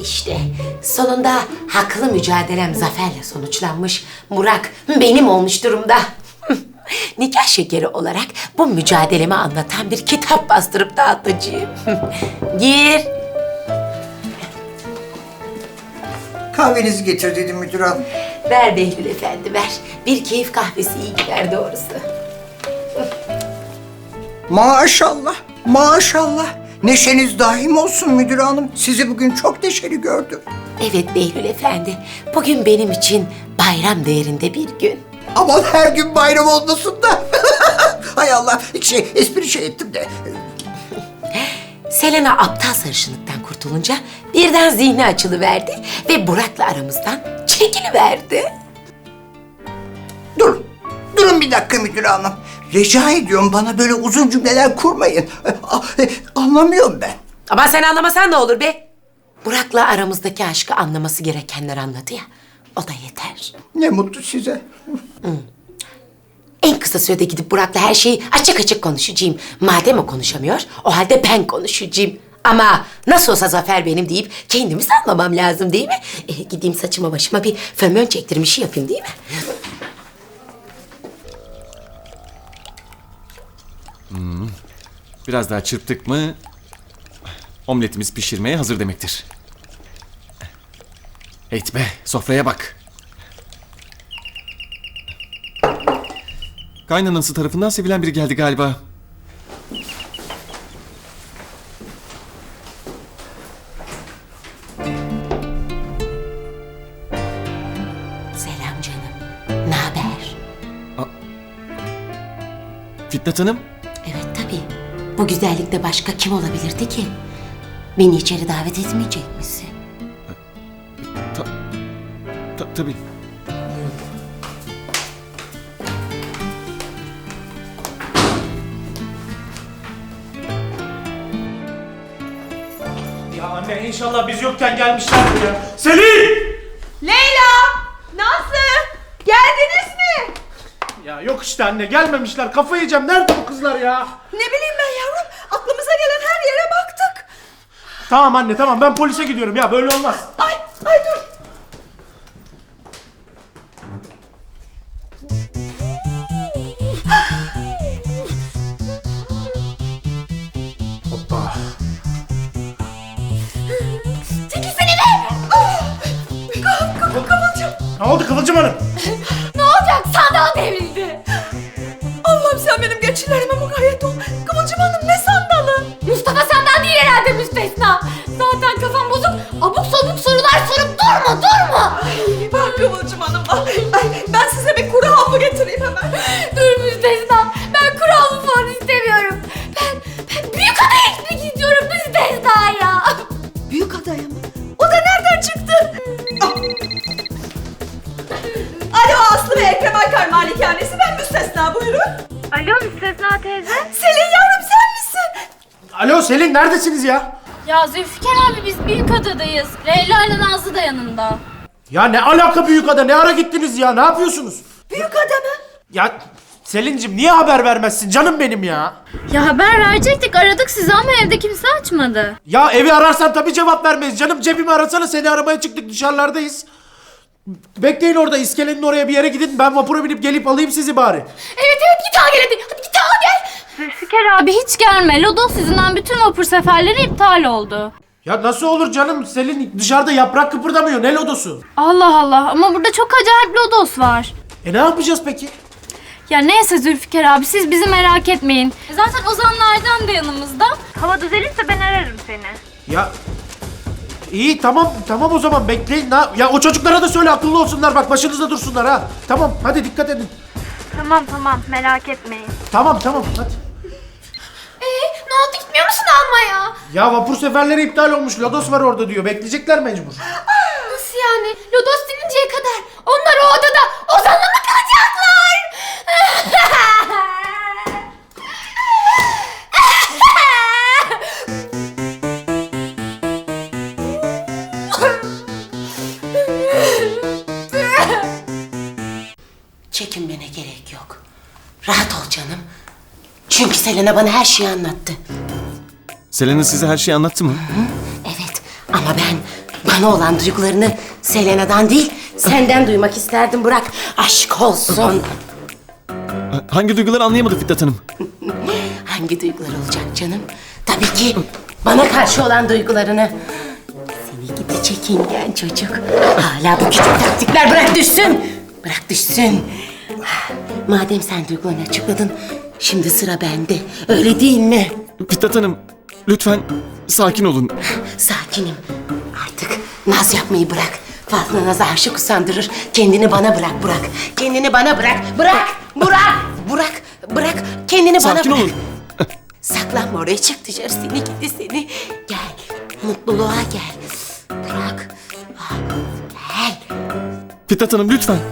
İşte sonunda haklı mücadelem zaferle sonuçlanmış. Burak benim olmuş durumda. Nikah şekeri olarak bu mücadelemi anlatan bir kitap bastırıp dağıtacağım. Gir. Kahvenizi getir dedi müdür hanım. Ver Behlül Efendi ver. Bir keyif kahvesi iyi gider doğrusu. Maşallah, maşallah. Neşeniz daim olsun müdür hanım. Sizi bugün çok neşeli gördüm. Evet Behlül Efendi. Bugün benim için bayram değerinde bir gün. Aman her gün bayram olmasın da. Hay Allah, espri ettim de. Selena aptal sarışınlıktan kurtulunca birden zihni açılıverdi ve Burak'la aramızdan çekiliverdi. Durun bir dakika müdür hanım. Rica ediyorum bana böyle uzun cümleler kurmayın. Anlamıyorum ben. Ama sen anlamasan ne olur be? Burak'la aramızdaki aşkı anlaması gerekenler anladı ya. O da yeter. Ne mutlu size. En kısa sürede gidip Burak'la her şeyi açık açık konuşacağım. Madem o konuşamıyor, o halde ben konuşacağım. Ama nasıl olsa Zafer benim deyip kendimi salmamam lazım değil mi? Gideyim saçıma başıma bir fönmön çektirmişi yapayım değil mi? Biraz daha çırptık mı omletimiz pişirmeye hazır demektir. Heyt be, sofraya bak. Kaynanası tarafından sevilen biri geldi galiba. Selam canım. Ne haber? Fitnat Hanım, Evet tabii. Bu güzellikte başka kim olabilirdi ki? Beni içeri davet etmeyecek misin? tabii. Ya anne inşallah biz yokken gelmişlerdir ya. Selin! Leyla! Nazlı! Geldiniz mi? Ya yok işte anne gelmemişler. Kafayı yiyeceğim. Nerede bu kızlar ya? Ne bileyim ben yavrum. Aklımıza gelen her yere baktık. Tamam anne tamam ben polise gidiyorum ya böyle olmaz. Ay dur. Hoppa. Çekilsene be! Kıvılcım. Ne oldu Kıvılcım Hanım? Ne olacak? Sandal devrildi. Allah'ım sen benim geçilerime mukayyet ol. Kıvılcım Hanım ne sandalı? Mustafa senden değil herhalde müstesna. Zaten kafam bozuk. Abuk sabuk sorular sorup durma. Ay bak Kıvılcım Hanım. Ay, ben size bir kuru havlu getireyim hemen. Dur müstesna. Ben kural falan istemiyorum. Ben büyük adaya gitmek istiyorum müstesna ya. Büyük adaya mı? O da nereden çıktı? Alo Aslı ve Ekrem Aykar malikanesi, ben müstesna, buyurun. Alo müstesna teyze. Selin yavrum sen misin? Alo Selin neredesiniz ya? Ya Zülfikar abi biz büyük adadayız. Leyla ile Nazlı da yanında. Ya ne alaka Büyükada ne ara gittiniz ya ne yapıyorsunuz? Büyük ada mı? Ya Selin'cim niye haber vermezsin canım benim ya? Ya haber verecektik aradık sizi ama evde kimse açmadı. Ya evi ararsan tabii cevap vermeyiz canım cebimi arasana seni aramaya çıktık dışarılardayız. Bekleyin orada iskelenin oraya bir yere gidin ben vapura binip gelip alayım sizi bari. Evet git al gel hadi git al gel. Zülfikar abi hiç gelme. Lodos yüzünden bütün vapur seferleri iptal oldu. Ya nasıl olur canım Selin dışarıda yaprak kıpırdamıyor ne lodosu? Allah Allah ama burada çok acayip lodos var. Ne yapacağız peki? Ya neyse Zülfikar abi siz bizi merak etmeyin. Zaten Ozanlardan da yanımızda. Hava düzelirse ben ararım seni. Ya iyi tamam o zaman bekleyin. Ya o çocuklara da söyle akıllı olsunlar bak başınızda dursunlar ha. Tamam hadi dikkat edin. Tamam merak etmeyin. Tamam hadi. Ne oldu gitmiyor musun almaya? Ya vapur seferleri iptal olmuş lodos var orada diyor bekleyecekler mecbur. Nasıl yani? Lodos dininceye kadar onlar o odada Ozan'la mı kalacaklar? Çekinmene gerek yok. Rahat ol canım. Çünkü Selena bana her şeyi anlattı. Selena size her şeyi anlattı mı? Evet ama ben Bana olan duygularını Selena'dan değil, senden duymak isterdim Burak. Aşk olsun. Hangi duyguları anlayamadı Fitnat Hanım? Hangi duygular olacak canım? Tabii ki bana karşı olan duygularını. Seni gidi çekingen çocuk. Hala bu küçük taktikler bırak düşsün. Bırak düşsün. Madem sen duygularını açıkladın, şimdi sıra bende. Öyle değil mi? Fitnat Hanım, lütfen sakin olun. Sakinim. Artık naz yapmayı bırak. Fazla naza aşık usandırır. Kendini bana bırak Burak. Kendini bana bırak. Bırak! Burak! Burak! Bırak! Kendini bana Sakin bırak. olun. Saklanma oraya, çık dışarı, seni gidi seni. Gel. Mutluluğa gel. Burak. Ah, gel. Fitnat Hanım lütfen.